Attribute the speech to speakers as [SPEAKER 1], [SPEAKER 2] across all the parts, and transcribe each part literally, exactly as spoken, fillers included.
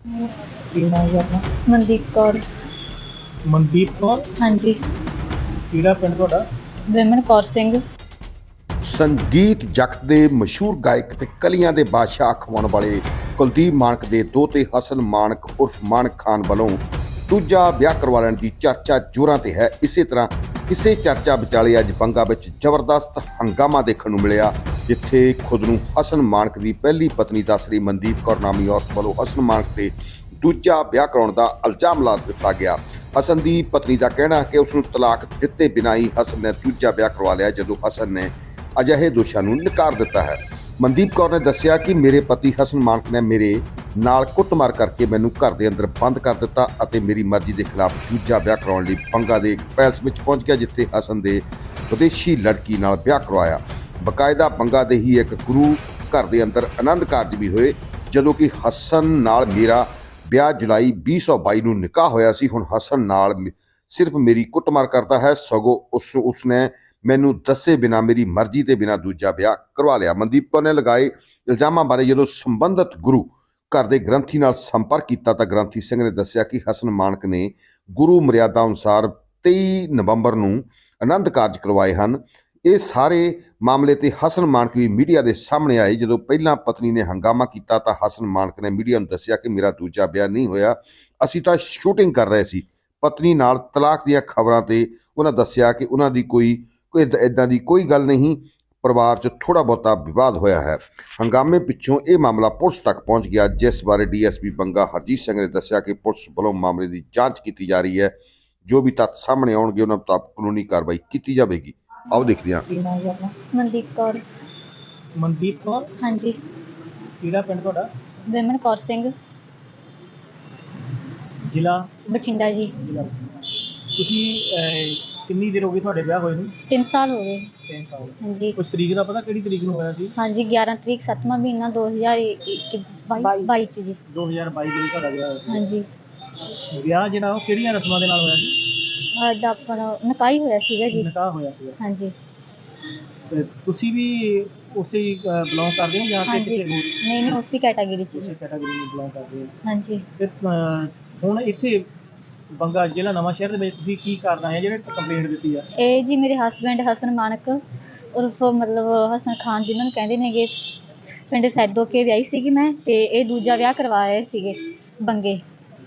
[SPEAKER 1] ਕੀ ਨਾਮ ਹੈ ਆਪਣਾ?
[SPEAKER 2] ਮਨਦੀਪ ਕੌਰ।
[SPEAKER 1] ਮਨਦੀਪ ਕੌਰ।
[SPEAKER 2] ਹਾਂਜੀ।
[SPEAKER 1] ਕਿਹੜਾ ਪਿੰਡ ਤੁਹਾਡਾ?
[SPEAKER 2] ਵਿਮਨ ਕੌਰ ਸਿੰਘ।
[SPEAKER 3] ਸੰਗੀਤ ਜਗਤ ਦੇ ਮਸ਼ਹੂਰ ਗਾਇਕ ਤੇ ਕਲੀਆਂ ਦੇ ਬਾਦਸ਼ਾਹ ਅਖਵਾਉਣ ਵਾਲੇ ਕੁਲਦੀਪ ਮਾਣਕ ਦੇ ਦੋਤੇ ਹਸਨ ਮਾਣਕ ਉਰਫ ਮਾਣਕ ਖਾਨ ਵੱਲੋਂ ਦੂਜਾ ਵਿਆਹ ਕਰਵਾ ਲੈਣ ਦੀ ਚਰਚਾ ਜ਼ੋਰਾਂ ਤੇ ਹੈ। ਇਸੇ ਤਰ੍ਹਾਂ ਕਿਸੇ ਚਰਚਾ ਵਿਚਾਲੇ ਅੱਜ ਬੰਗਾ ਵਿੱਚ ਜ਼ਬਰਦਸਤ ਹੰਗਾਮਾ ਦੇਖਣ ਨੂੰ ਮਿਲਿਆ, ਜਿੱਥੇ ਖੁਦ ਨੂੰ ਹਸਨ ਮਾਣਕ ਦੀ ਪਹਿਲੀ ਪਤਨੀ ਦੱਸ ਰਹੀ ਮਨਦੀਪ ਕੌਰ ਨਾਮੀ ਔਰਤ ਵੱਲੋਂ ਹਸਨ ਮਾਣਕ ਤੇ ਦੂਜਾ ਵਿਆਹ ਕਰਾਉਣ ਦਾ ਇਲਜ਼ਾਮ ਲਾ ਦਿੱਤਾ ਗਿਆ। ਹਸਨ ਦੀ ਪਤਨੀ ਦਾ ਕਹਿਣਾ ਹੈ ਕਿ ਉਸ ਨੂੰ ਤਲਾਕ ਦਿੱਤੇ ਬਿਨਾਂ ਹੀ ਹਸਨ ਨੇ ਦੂਜਾ ਵਿਆਹ ਕਰਵਾ ਲਿਆ, ਜਦੋਂ ਹਸਨ ਨੇ ਅਜਿਹੇ ਦੋਸ਼ਾਂ ਨੂੰ ਨਕਾਰ ਦਿੱਤਾ ਹੈ। ਮਨਦੀਪ ਕੌਰ ਨੇ ਦੱਸਿਆ ਕਿ ਮੇਰੇ ਪਤੀ ਹਸਨ ਮਾਣਕ ਨੇ ਮੇਰੇ ਨਾਲ ਕੁੱਟਮਾਰ ਕਰਕੇ ਮੈਨੂੰ ਘਰ ਦੇ ਅੰਦਰ ਬੰਦ ਕਰ ਦਿੱਤਾ ਅਤੇ ਮੇਰੀ ਮਰਜ਼ੀ ਦੇ ਖਿਲਾਫ ਦੂਜਾ ਵਿਆਹ ਕਰਾਉਣ ਲਈ ਬੰਗਾ ਦੇ ਇੱਕ ਪੈਲਸ ਵਿੱਚ ਪਹੁੰਚ ਗਿਆ, ਜਿੱਥੇ ਹਸਨ ਦੇ ਵਿਦੇਸ਼ੀ ਲੜਕੀ ਨਾਲ ਵਿਆਹ ਕਰਵਾਇਆ। ਬਕਾਇਦਾ ਬੰਗਾ ਦੇ ਹੀ ਇੱਕ ਗੁਰੂ ਘਰ ਦੇ ਅੰਦਰ ਆਨੰਦ ਕਾਰਜ ਵੀ ਹੋਏ, ਜਦੋਂ ਕਿ ਹਸਨ ਨਾਲ ਮੇਰਾ ਵਿਆਹ ਜੁਲਾਈ ਵੀਹ ਸੌ ਬਾਈ ਨੂੰ ਨਿਕਾਹ ਹੋਇਆ ਸੀ। ਹੁਣ ਹਸਨ ਨਾਲ ਸਿਰਫ ਮੇਰੀ ਕੁੱਟਮਾਰ ਕਰਦਾ ਹੈ, ਸਗੋਂ ਉਸ ਉਸਨੇ ਮੈਨੂੰ ਦੱਸੇ ਬਿਨਾਂ ਮੇਰੀ ਮਰਜ਼ੀ ਦੇ ਬਿਨਾਂ ਦੂਜਾ ਵਿਆਹ ਕਰਵਾ ਲਿਆ। ਮਨਦੀਪ ਕੌਰ ਨੇ ਲਗਾਏ ਇਲਜ਼ਾਮਾਂ ਬਾਰੇ ਜਦੋਂ ਸੰਬੰਧਿਤ ਗੁਰੂ ਘਰ ਦੇ ਗ੍ਰੰਥੀ ਨਾਲ ਸੰਪਰਕ ਕੀਤਾ ਤਾਂ ਗ੍ਰੰਥੀ ਸਿੰਘ ਨੇ ਦੱਸਿਆ ਕਿ ਹਸਨ ਮਾਣਕ ਨੇ ਗੁਰੂ ਮਰਿਆਦਾ ਅਨੁਸਾਰ ਤੇਈ ਨਵੰਬਰ ਨੂੰ ਆਨੰਦ ਕਾਰਜ ਕਰਵਾਏ ਹਨ। ਇਹ ਸਾਰੇ ਮਾਮਲੇ ਤੇ ਹਸਨ ਮਾਣਕ ਵੀ ਮੀਡੀਆ ਦੇ ਸਾਹਮਣੇ ਆਏ। ਜਦੋਂ ਪਹਿਲਾਂ ਪਤਨੀ ਨੇ ਹੰਗਾਮਾ ਕੀਤਾ ਤਾਂ ਹਸਨ ਮਾਣਕ ਨੇ ਮੀਡੀਆ ਨੂੰ ਦੱਸਿਆ ਕਿ ਮੇਰਾ ਦੂਜਾ ਵਿਆਹ ਨਹੀਂ ਹੋਇਆ, ਅਸੀਂ ਤਾਂ ਸ਼ੂਟਿੰਗ ਕਰ ਰਹੇ ਸੀ। ਪਤਨੀ ਨਾਲ ਤਲਾਕ ਦੀਆਂ ਖਬਰਾਂ ਤੇ ਉਹਨਾਂ ਦੱਸਿਆ ਕਿ ਉਹਨਾਂ ਦੀ ਕੋਈ ਕੋਈ ਇੱਦਾਂ ਦੀ ਕੋਈ ਗੱਲ ਨਹੀਂ, ਪਰਿਵਾਰ 'ਚ ਥੋੜ੍ਹਾ ਬਹੁਤਾ ਵਿਵਾਦ ਹੋਇਆ ਹੈ। ਹੰਗਾਮੇ ਪਿੱਛੋਂ ਇਹ ਮਾਮਲਾ ਪੁਲਿਸ ਤੱਕ ਪਹੁੰਚ ਗਿਆ, ਜਿਸ ਬਾਰੇ D S P Banga Harjit Singh ਨੇ ਦੱਸਿਆ ਕਿ ਪੁਲਿਸ ਵੱਲੋਂ ਮਾਮਲੇ ਦੀ ਜਾਂਚ ਕੀਤੀ ਜਾ ਰਹੀ ਹੈ। ਜੋ ਵੀ ਤੱਥ ਸਾਹਮਣੇ ਆਉਣਗੇ ਉਹਨਾਂ ਮੁਤਾਬਕ ਕਾਨੂੰਨੀ ਕਾਰਵਾਈ ਕੀਤੀ ਜਾਵੇਗੀ। ਆਓ ਦੇਖਦੇ ਹਾਂ।
[SPEAKER 1] ਕੀ ਨਾਮ ਹੈ ਆਪਣਾ?
[SPEAKER 2] ਮਨਦੀਪ ਕੌਰ।
[SPEAKER 1] ਮਨਦੀਪ ਕੌਰ।
[SPEAKER 2] ਹਾਂਜੀ।
[SPEAKER 1] ਕਿਹੜਾ ਪਿੰਡ ਤੁਹਾਡਾ?
[SPEAKER 2] ਵਿਮਨ ਕੌਰ ਸਿੰਘ।
[SPEAKER 1] ਜ਼ਿਲ੍ਹਾ?
[SPEAKER 2] ਬਠਿੰਡਾ ਜੀ।
[SPEAKER 1] ਜ਼ਿਲ੍ਹਾ ਤੁਸੀਂ ਅਹ, ਕਿੰਨੀ ਦੇਰ ਹੋ ਗਈ ਤੁਹਾਡੇ ਵਿਆਹ ਹੋਏ ਨੂੰ?
[SPEAKER 2] ਤਿੰਨ ਸਾਲ ਹੋ ਗਏ।
[SPEAKER 1] ਤਿੰਨ ਸਾਲ।
[SPEAKER 2] ਹਾਂਜੀ।
[SPEAKER 1] ਕੁਛ ਤਰੀਕ ਦਾ ਪਤਾ ਕਿਹੜੀ ਤਰੀਕ ਨੂੰ ਹੋਇਆ ਸੀ?
[SPEAKER 2] ਹਾਂਜੀ ਗਿਆਰਾਂ ਤਰੀਕ ਸੱਤਵਾਂ ਮਹੀਨਾ ਦੋ ਹਜ਼ਾਰ ਬਾਈ 'ਚ ਜੀ।
[SPEAKER 1] ਦੋ ਹਜ਼ਾਰ ਬਾਈ ਵਿੱਚ ਤੁਹਾਡਾ ਵਿਆਹ ਹੋਇਆ ਸੀ।
[SPEAKER 2] ਹਾਂਜੀ।
[SPEAKER 1] ਵਿਆਹ ਜਿਹੜਾ ਉਹ ਕਿਹੜੀਆਂ ਰਸਮਾਂ ਦੇ ਨਾਲ ਹੋਇਆ ਸੀ?
[SPEAKER 2] ਅੱਜ ਆਪਣਾ ਨਿਕਾਹ ਹੀ ਹੋਇਆ ਸੀਗਾ ਜੀ।
[SPEAKER 1] ਨਿਕਾਹ ਹੋਇਆ ਸੀਗਾ।
[SPEAKER 2] ਹਾਂਜੀ।
[SPEAKER 1] ਤੇ ਤੁਸੀਂ ਵੀ ਉਸੇ ਬਿਲੋਂਗ ਕਰਦੇ ਹੋ ਜਾਂ ਫਿਰ
[SPEAKER 2] ਹਾਂਜੀ।
[SPEAKER 1] ਕਿਸੇ ਹੋਰ
[SPEAKER 2] ਨਹੀਂ ਨਹੀਂ ਉਸੇ ਕੈਟਾਗਰੀ 'ਚ
[SPEAKER 1] ਉਸੇ
[SPEAKER 2] ਜੀ।
[SPEAKER 1] ਕੈਟਾਗਰੀ ਨੂੰ ਬਿਲੋਂਗ ਕਰਦੇ ਹੋ?
[SPEAKER 2] ਹਾਂਜੀ।
[SPEAKER 1] ਤੇ ਅਹ, ਹੁਣ ਇੱਥੇ ਬੰਗਾ ਜ਼ਿਲ੍ਹਾ ਨਵਾਂ ਸ਼ਹਿਰ ਦੇ ਵਿੱਚ ਤੁਸੀਂ ਕੀ ਕਰਨਾ ਹੈ ਜਿਹੜੇ ਕੰਪਲੇਂਟ ਦਿੱਤੀ ਆ?
[SPEAKER 2] ਇਹ ਜੀ ਮੇਰੇ ਹਸਬੈਂਡ ਹਸਨ ਮਾਣਕ ਉਰਫ ਮਤਲਬ ਹਸਨ ਖਾਨ ਜਿਹਨਾਂ ਨੂੰ ਕਹਿੰਦੇ ਨੇਗੇ, ਪਿੰਡ ਸੈਦੋ ਕੇ ਵਿਆਹੀ ਸੀਗੀ ਮੈਂ, ਤੇ ਇਹ ਦੂਜਾ ਵਿਆਹ ਕਰਵਾ ਰਹੇ ਸੀਗੇ ਬੰਗੇ।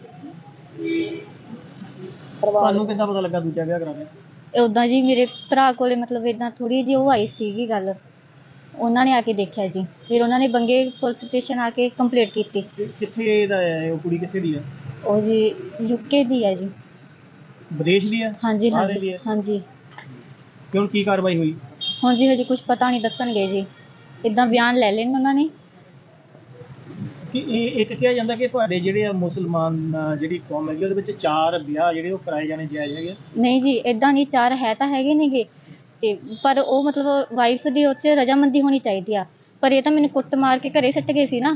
[SPEAKER 1] ਤੁਹਾਨੂੰ ਕਿੱਦਾਂ ਪਤਾ ਲੱਗਾ ਦੂਜਾ ਵਿਆਹ ਕਰਾਉਣਾ?
[SPEAKER 2] ਉੱਦਾਂ ਜੀ ਮੇਰੇ ਭਰਾ ਕੋਲੇ ਮਤਲਬ ਇੱਦਾਂ ਥੋੜ੍ਹੀ ਜਿਹੀ ਉਹ ਆਈ ਸੀਗੀ ਗੱਲ, ਉਹਨਾਂ ਨੇ ਆ ਕੇ ਦੇਖਿਆ ਜੀ, ਫਿਰ ਉਹਨਾਂ ਨੇ ਬੰਗੇ ਪੁਲਿਸ ਸਟੇਸ਼ਨ ਆ ਕੇ ਕੰਪਲੇਂਟ ਕੀਤੀ।
[SPEAKER 1] ਕਿ- ਕਿੱਥੇ ਦਾ ਹੈ ਉਹ ਕੁੜੀ, ਕਿੱਥੇ ਦੀ ਹੈ?
[SPEAKER 2] ਉਹ ਜੀ ਯੂਕੇ ਦੀ ਹੈ ਜੀ।
[SPEAKER 1] ਵਿਦੇਸ਼ ਦੀ ਹੈ?
[SPEAKER 2] ਹਾਂਜੀ
[SPEAKER 1] ਬਾਹਰ
[SPEAKER 2] ਹਾਂਜੀ
[SPEAKER 1] ਦੀ ਹੈ?
[SPEAKER 2] ਹਾਂਜੀ।
[SPEAKER 1] ਕਿ ਹੁਣ ਕੀ ਕਾਰਵਾਈ ਹੋਈ?
[SPEAKER 2] ਹੁਣ ਜੀ ਹਜੇ ਕੁਝ ਪਤਾ ਨਹੀਂ, ਦੱਸਣਗੇ ਜੀ, ਇੱਦਾਂ ਬਿਆਨ ਲੈ ਲੈਣ ਉਹਨਾਂ ਨੇ।
[SPEAKER 1] ਕਿ ਇਹ ਇੱਕ ਕਿਹਾ ਜਾਂਦਾ ਕਿ ਤੁਹਾਡੇ ਜਿਹੜੇ ਆ ਮੁਸਲਮਾਨ ਅਹ, ਜਿਹੜੀ ਕੌਮ ਹੈਗੀ ਉਹਦੇ ਵਿੱਚ ਚਾਰ ਵਿਆਹ ਜਿਹੜੇ ਉਹ ਕਰਾਏ ਜਾਣੇ ਜਾਇਜ਼ ਹੈਗੇ?
[SPEAKER 2] ਨਹੀਂ ਜੀ ਇੱਦਾਂ ਨਹੀਂ, ਚਾਰ ਹੈ ਤਾਂ ਹੈਗੇ ਨੇਗੇ, ਤੇ ਪਰ ਉਹ ਮਤਲਬ ਵਾਈਫ ਦੀ ਉਹ 'ਚ ਰਜਾਮੰਦੀ ਹੋਣੀ ਚਾਹੀਦੀ ਆ, ਪਰ ਇਹ ਤਾਂ ਮੈਨੂੰ ਕੁੱਟ ਮਾਰ ਕੇ ਘਰੇ ਸੱਟ ਗਏ ਸੀ ਨਾ।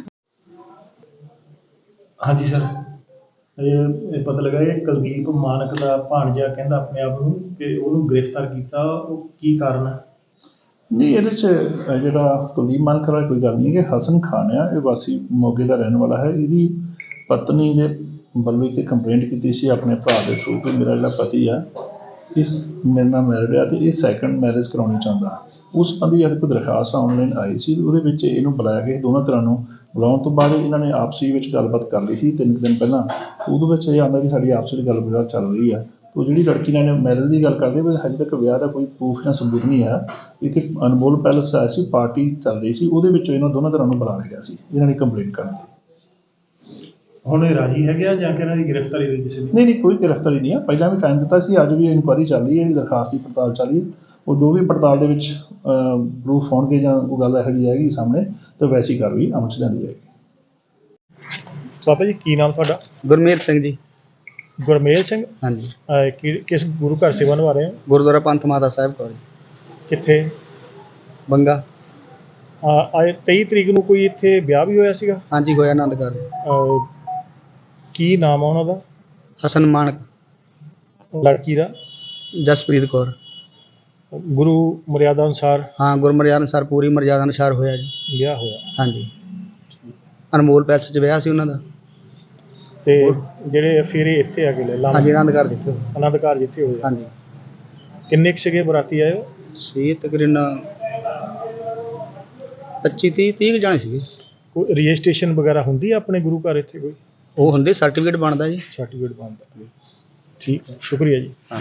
[SPEAKER 4] ਹਾਂਜੀ ਸਰ, ਇਹ ਇਹ ਪਤਾ ਲੱਗਾ ਇਹ ਕੁਲਦੀਪ ਮਾਣਕ ਦਾ ਭਾਣਜਾ ਕਹਿੰਦਾ ਆਪਣੇ ਆਪ ਨੂੰ ਕਿ ਉਹਨੂੰ ਗ੍ਰਿਫਤਾਰ ਕੀਤਾ, ਉਹ ਕੀ ਕਾਰਨ ਹੈ? ਨਹੀਂ, ਇਹਦੇ 'ਚ ਅਹ ਜਿਹੜਾ ਕੁਲਦੀਪ ਮਾਣਕ ਵਾਲਾ ਕੋਈ ਗੱਲ ਨਹੀਂ, ਕਿ ਹਸਨ ਖਾਨ ਆ, ਇਹ ਵਾਸੀ ਮੋਗੇ ਦਾ ਰਹਿਣ ਵਾਲਾ ਹੈ। ਇਹਦੀ ਪਤਨੀ ਦੇ ਵੱਲੋਂ ਇੱਕ ਕੰਪਲੇਂਟ ਕੀਤੀ ਸੀ ਆਪਣੇ ਭਰਾ ਦੇ ਥਰੂ ਕਿ ਮੇਰਾ ਜਿਹੜਾ ਪਤੀ ਆ ਇਸ ਮੇਰੇ ਨਾਲ ਮੈਰਿਡ ਆ ਅਤੇ ਇਹ ਸੈਕੰਡ ਮੈਰਿਜ ਕਰਾਉਣੀ ਚਾਹੁੰਦਾ। ਉਸ ਸੰਬੰਧੀ ਇੱਕ ਦਰਖਾਸਤ ਆਨਲਾਈਨ ਆਈ ਸੀ, ਉਹਦੇ ਵਿੱਚ ਇਹਨੂੰ ਬੁਲਾਇਆ ਗਿਆ ਦੋਨਾਂ ਤਰ੍ਹਾਂ ਨੂੰ। ਬੁਲਾਉਣ ਤੋਂ ਬਾਅਦ ਇਹਨਾਂ ਨੇ ਆਪਸੀ ਵਿੱਚ ਗੱਲਬਾਤ ਕਰ ਲਈ ਸੀ ਤਿੰਨ ਕੁ ਦਿਨ ਪਹਿਲਾਂ। ਉਹਦੇ ਵਿੱਚ ਇਹ ਆਉਂਦਾ ਕਿ ਸਾਡੀ ਆਪਸ ਵਿੱਚ ਗੱਲਬਾਤ ਚੱਲ ਰਹੀ ਆ। ਉਹ ਜਿਹੜੀ ਲੜਕੀ ਨਾਲ ਮੈਰਿਜ ਦੀ ਗੱਲ ਕਰਦੇ ਪਰ ਹਜੇ ਤੱਕ ਵਿਆਹ ਦਾ ਕੋਈ ਪ੍ਰੂਫ ਜਾਂ ਸਬੂਤ ਨਹੀਂ ਹੈ। ਇੱਥੇ ਅਨਮੋਲ ਪੈਲਸ ਆਇਆ ਸੀ, ਪਾਰਟੀ ਚੱਲ ਰਹੀ ਸੀ, ਉਹਦੇ ਵਿੱਚ ਇਹਨਾਂ ਦੋਨਾਂ ਤਰ੍ਹਾਂ ਨੂੰ ਬੁਲਾ ਲਿਆ ਗਿਆ ਸੀ ਇਹਨਾਂ ਨੇ ਕੰਪਲੇਂਟ ਕਰਨ ਦੀ। ਹੁਣ ਇਹ ਰਾਜੀ ਹੈਗੇ ਆ ਜਾਂ ਕਿ ਇਹਨਾਂ ਦੀ ਗ੍ਰਿਫਤਾਰੀ ਹੋਈ ਕਿਸੇ ਦੀ? ਨਹੀਂ ਨਹੀਂ, ਕੋਈ ਗ੍ਰਿਫਤਾਰੀ ਨਹੀਂ ਆ। ਪਹਿਲਾਂ ਵੀ ਟਾਈਮ ਦਿੱਤਾ ਸੀ, ਅੱਜ ਵੀ ਇਨਕੁਆਇਰੀ ਚੱਲ ਰਹੀ ਹੈ, ਇਹਦੀ ਦਰਖਾਸਤ ਦੀ ਪੜਤਾਲ ਚੱਲ ਰਹੀ ਹੈ। ਉਹ ਜੋ ਵੀ ਪੜਤਾਲ ਦੇ ਵਿੱਚ ਪ੍ਰੂਫ ਹੋਣਗੇ ਜਾਂ ਉਹ ਗੱਲ ਇਹੋ ਜਿਹੀ ਆਏਗੀ ਸਾਹਮਣੇ ਤਾਂ ਵੈਸੀ ਕਾਰਵਾਈ ਅਮਲ 'ਚ ਲਿਆਂਦੀ ਜਾਏਗੀ।
[SPEAKER 1] ਬਾਬਾ ਜੀ ਕੀ ਨਾਮ ਤੁਹਾਡਾ?
[SPEAKER 5] ਗੁਰਮੇਲ ਸਿੰਘ ਜੀ।
[SPEAKER 1] ਗੁਰਮੇਲ ਸਿੰਘ।
[SPEAKER 5] ਹਾਂਜੀ।
[SPEAKER 1] ਅਹ, ਕਿ- ਕਿਸ ਗੁਰੂ ਘਰ ਸੇਵਾ ਨਿਭਾ ਰਹੇ ਹੋ?
[SPEAKER 5] ਗੁਰਦੁਆਰਾ ਪੰਥ ਮਾਤਾ ਸਾਹਿਬ ਕੌਰ ਜੀ,
[SPEAKER 1] ਕਿੱਥੇ?
[SPEAKER 5] ਬੰਗਾ।
[SPEAKER 1] ਅਹ, ਆਏ ਤੇਈ ਤਰੀਕ ਨੂੰ ਕੋਈ ਇੱਥੇ ਵਿਆਹ ਵੀ ਹੋਇਆ ਸੀਗਾ?
[SPEAKER 5] ਹਾਂਜੀ ਹੋਇਆ ਆਨੰਦ ਕਾਰਜ।
[SPEAKER 1] ਅਹ, ਕੀ ਨਾਮ ਆ ਉਹਨਾਂ ਦਾ?
[SPEAKER 5] ਹਸਨ ਮਾਣਕ।
[SPEAKER 1] ਲੜਕੀ ਦਾ?
[SPEAKER 5] ਜਸਪ੍ਰੀਤ ਕੌਰ।
[SPEAKER 1] ਗੁਰੂ ਮਰਿਆਦਾ ਅਨੁਸਾਰ
[SPEAKER 5] ਹਾਂ, ਗੁਰਮਰਿਆਦਾ ਅਨੁਸਾਰ ਪੂਰੀ ਮਰਿਆਦਾ ਅਨੁਸਾਰ ਹੋਇਆ ਜੀ।
[SPEAKER 1] ਵਿਆਹ ਹੋਇਆ।
[SPEAKER 5] ਹਾਂਜੀ, ਅਨਮੋਲ ਪੈਲਸ 'ਚ ਵਿਆਹ ਸੀ ਉਹਨਾਂ ਦਾ।
[SPEAKER 4] ਤੇ ਜਿਹੜੇ ਫੇਰੇ ਇੱਥੇ ਆ ਗਏ ਲੈ
[SPEAKER 5] ਹਾਂਜੀ ਆਨੰਦ ਘਰ ਜਿੱਥੇ ਹੋਏ।
[SPEAKER 4] ਆਨੰਦ ਘਰ ਜਿੱਥੇ ਹੋਏ ਆ।
[SPEAKER 5] ਹਾਂਜੀ
[SPEAKER 4] ਕਿੰਨੇ ਕੁ ਸੀਗੇ ਬਰਾਤੀ ਆਏ ਹੋ?
[SPEAKER 5] ਸੀ ਤਕਰੀਬਨ ਪੱਚੀ ਤੀਹ ਤੀਹ ਕੁ ਜਾਣੇ ਸੀਗੇ।
[SPEAKER 4] ਕੋਈ ਰਜਿਸਟ੍ਰੇਸ਼ਨ ਵਗੈਰਾ ਹੁੰਦੀ ਆ ਆਪਣੇ ਗੁਰੂ ਘਰ ਇੱਥੇ ਕੋਈ
[SPEAKER 5] ਉਹ ਹੁੰਦੇ ਸਰਟੀਫਿਕੇਟ ਬਣਦਾ ਜੀ।
[SPEAKER 4] ਸਰਟੀਫਿਕੇਟ ਬਣਦਾ? ਠੀਕ ਹੈ, ਸ਼ੁਕਰੀਆ ਜੀ।